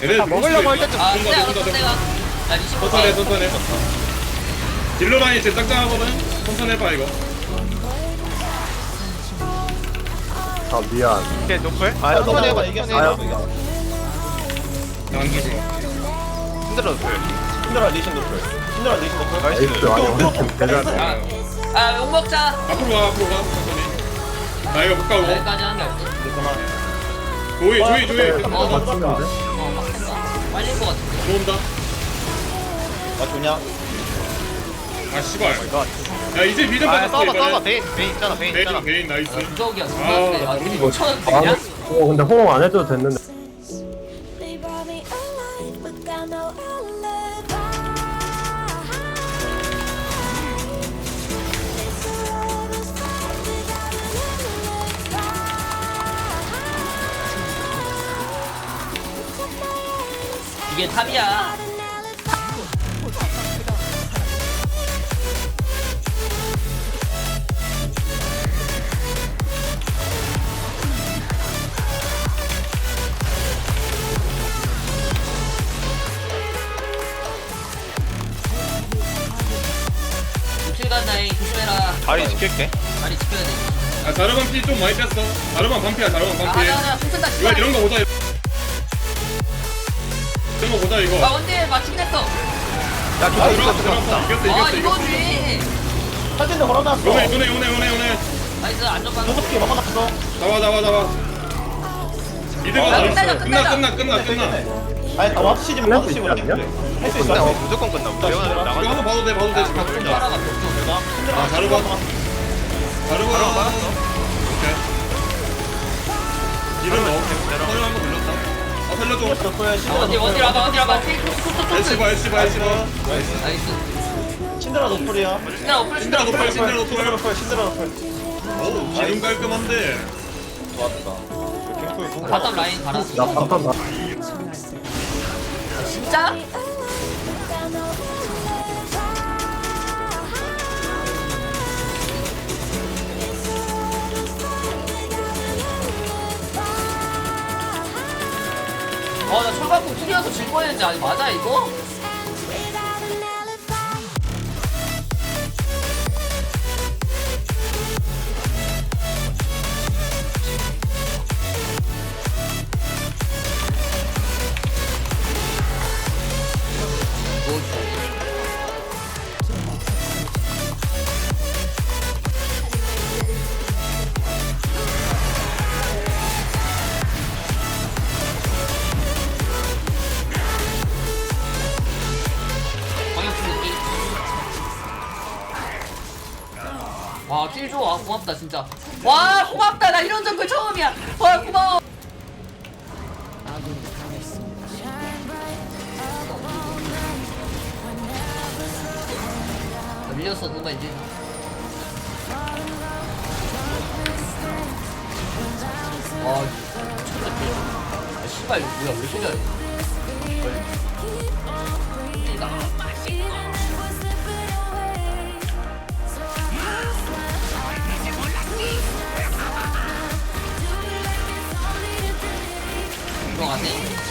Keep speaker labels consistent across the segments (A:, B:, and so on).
A: 얘네
B: 아, 먹으려고 할 때쯤
C: 아
A: 온다,
C: 내가
A: 온다,
C: 알았어 내가 야 리시
A: 천천히 해, 천천히 해. 딜러 라인이 제일 짱짱하거든. 천천히 해봐 이거.
D: 아 미안.
B: 이게 노플? 아
E: 아,
B: 천천히 해봐
E: 이게
B: 천천히 해봐
A: 나안 죽어.
B: 힘들어 노플
E: 힘들어 리신 노플. 힘들어 리신 노플.
B: 나이스
D: 에이스 아니 우리 팀 대단해.
C: 아 욕먹자
A: 앞으로 가, 앞으로 가. 천천히. 나 이거 못 가고.
C: 여기까지 하는 게 없지
E: 그만.
A: 조이.
D: 맞추면 돼?
C: 막혔다 빨릴 것 같은데
A: 들어온다.
E: 아 좋냐?
A: 아 씨발.
B: 이거
A: 야 이제 미드
B: 아
A: 받았어.
B: 싸워봐 베인 있잖아 베인 있잖아
A: 베인 나이스.
C: 무적이야
A: 아,
C: 무적인데 아
A: 우리
C: 우리
A: 이거
C: 5천원
D: 아
C: 되냐?
D: 근데 호응 안 해도 됐는데.
F: They brought me alive, but got no alibi. It's a love story without an alibi.
C: 이게 탑이야 육칠간 나이 조심해라
B: 다리 지킬게
C: 다리 지켜야 돼
A: 아 자르반 피 좀 많이 뺐어. 자르반 반피야, 자르반
C: 아
A: 반피.
C: 하나 풍선다
A: 이거
C: 씨발
A: 이런 거 보자. 이런 거 보자 이거.
C: 아 원딜 맞추긴 했어
B: 야 좋다
A: 들어갔어,
B: 좋다
A: 들어갔어.
B: 좋다
A: 이겼어.
C: 아 이거지
E: 사진도 걸어놨어.
A: 요네.
C: 나이스 안전방
E: 여섯 개 먹어놨어.
A: 잡아. 미드가
C: 야,
A: 잘했어.
C: 끝나자.
A: 끝나.
E: 아니 다 와드 시즌
D: 끝날
E: 와드
D: 수
E: 시즌
D: 있지 않냐?
E: 할수
B: 끝나
E: 있어.
B: 무조건 끝나 우리
A: 이거 한번
B: 나가
A: 봐도 돼.
C: 좀 빨아가 좀
A: 아 자르반. 오케이. 이름 넣어. 서류 한번 돌렸다. 아 살려줘.
C: 어디 와봐
A: 엘시 봐.
C: 나이스
E: 신드라 노플이야.
C: 신드라 오플
A: 신드라 노플.
E: 신드라 노플.
A: 어우 지금 깔끔한데.
E: 좋았다.
C: 바텀 라인 갈았어
D: 나 바텀 다.
C: 진짜? 나 철갑국 투리여서 질 뻔했는데 아니 맞아 이거?
F: Without an alibi.
C: 방역품 느낌 와딜 좋아 고맙다 진짜 와 고맙다 나 이런 정글 처음이야 와 고마워 나 밀렸어 누가 이제 와 미쳤다 아 씨발 이거 뭐야 왜 이렇게 잘해 들어가네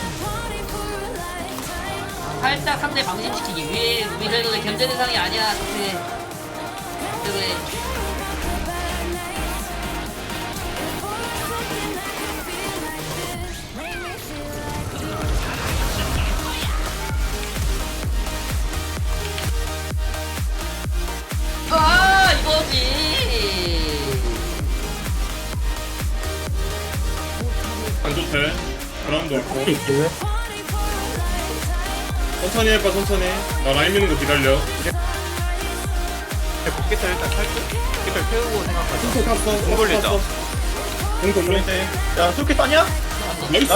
C: 살짝 상대 방심시키기 위해 우리 정도는 견제 대상이 아니야 사실 그래 아 이거지
A: 안 좋대. 그라운드 없고.
D: 있긴 해.
A: 천천히 해봐 천천히. 나 라인 미는 거 기다려.
B: 복귀탈 일단 탈게 복귀탈 태우고 생각하자
A: 핑크 탔어.
B: 공 돌리자.
A: 공 돌려.
E: 야 수키 따냐?
A: 나이스.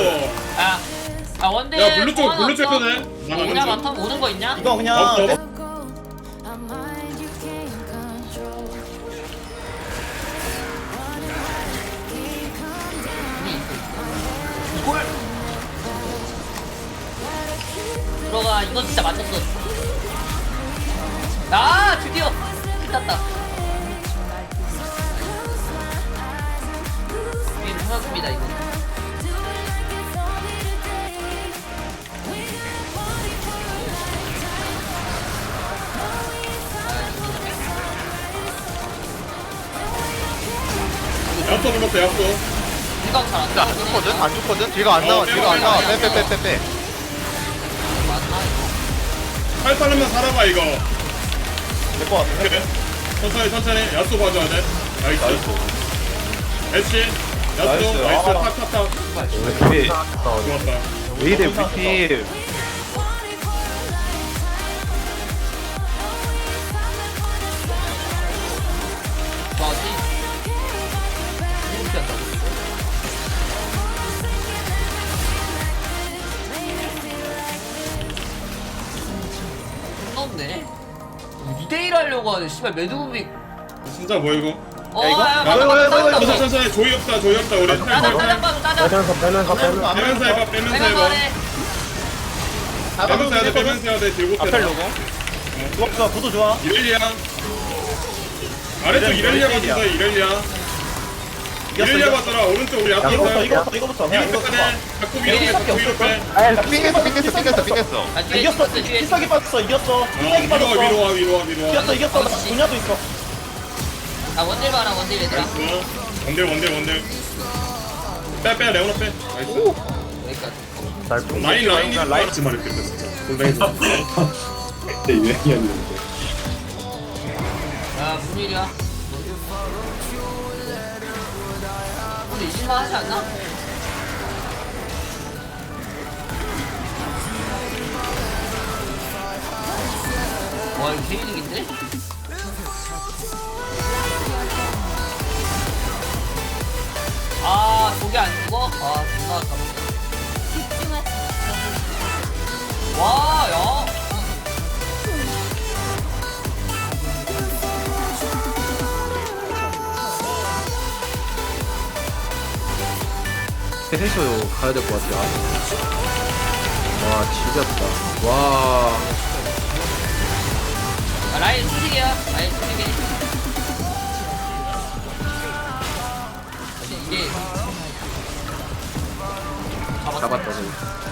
C: 아 원딜
A: 야 블루 쪽
C: 소환
A: 블루 쪽
C: 없어?
A: 해도 돼.
C: 오냐 많다 오는 거 있냐?
E: 이거 그냥
A: 없어.
F: A mind you can't control.
C: 이걸 들어가 이건 진짜 맞췄어 아 드디어 끝났다 게임 끝났습니다 이거
A: 야쏘 불렀어 야쏘.
C: 이거 잘안
B: 근데 안 죽거든? 안 죽거든? 뒤가 안 나와, 뒤가 안 나와. 빼.
A: 할 사람만 살아봐 이거.
E: 될것 같아.
A: 그래. 천천히 야쏘 봐줘야 돼. 나이스. 애쉬 야쏘
E: 나이스.
A: 나이스
E: 아.
A: 탁탁탁.
G: 왜
A: 좋았다.
G: 이래 우리 팀
C: 좋아지. 이렇게 한다고. 없네. 2대1 하려고 하는 씨발 매드무비.
A: 진짜 뭐 이거?
C: 어,
E: 이거?
C: 야,
A: 천천히 조이 없다 우리.
C: 따장 봐줘, 따장.
D: 빼면서
A: 빼면서 해봐 빼면서
C: 빼면서
A: 해봐.
C: 하래.
A: 빼면서 해야 돼 빼면서 해야 돼. 들고
B: 앞에 로고.
E: 좋아, 구도 좋아.
A: 이렐리아. 아래쪽 이렐리아
E: 이렐리아.
A: 봐주세요 이렐리아.
E: 이겼어,
A: 이렐리아
E: 이겼어.
A: 봐줘라 오른쪽 우리 앞에
E: 이거부터,
A: 있어요.
E: 이거부터. 그냥
A: 이거
E: 이거부터.
A: 빼. 자꾸 위로
C: 밖에
A: 위로 빼.
B: 삐겠어.
C: 아, 뒤에
E: 이겼어.
C: 있었어, 뒤에
E: 필살기 빠졌어. 이겼어. 필살기
A: 위로
E: 빠졌어.
A: 와.
E: 이겼어. 나 분야도 있어.
C: 아, 원딜 봐라, 원딜 얘들아.
A: 원딜. 빼 레오나 빼. 나이스.
C: 여기까지.
D: 짧고.
A: 라인이 라이트 말했겠다 진짜. 골뱅이 좀. 그때 유행이었는데.
C: 야, 무슨 일이야? 근데 이길만 하지 않나? 와, 이거 개이득인데? 아, 저게 안 죽어? 아, 존나 아깝네. 와, 야.
G: 해서 가야 될 것 같아. 와 지렸다. 와
C: 아, 라인 수직이야. 라인 수직이. 사실 이게
G: 잡았다 저기.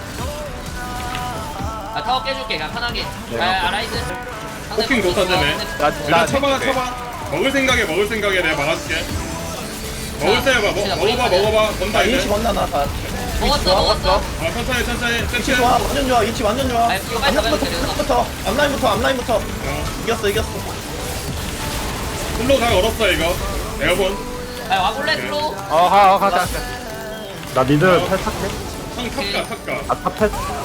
C: 아, 타워 깨줄게. 그냥 편하게. 아, 라이즈.
A: 포킹 좋다잖아.
B: 나
A: 쳐봐. 먹을 생각에 내가 막아줄게. 먹을 생각 먹어봐. 건다
E: 인치
A: 이제.
E: 건나 나.
C: 먹었어.
A: 아 천천히.
E: 인치
A: 땡치.
E: 좋아. 완전 좋아. 인치 완전 좋아.
C: 아, 이거 빨리 잡아야 돼.
E: 앞라인부터. 이겼어.
A: 슬로우 다 걸었어 이거. 내가 본.
C: 아, 와볼래, 슬로우?
B: 가자.
D: 나 미드 탈착해?
A: 형 탑가.
D: 아 탑패?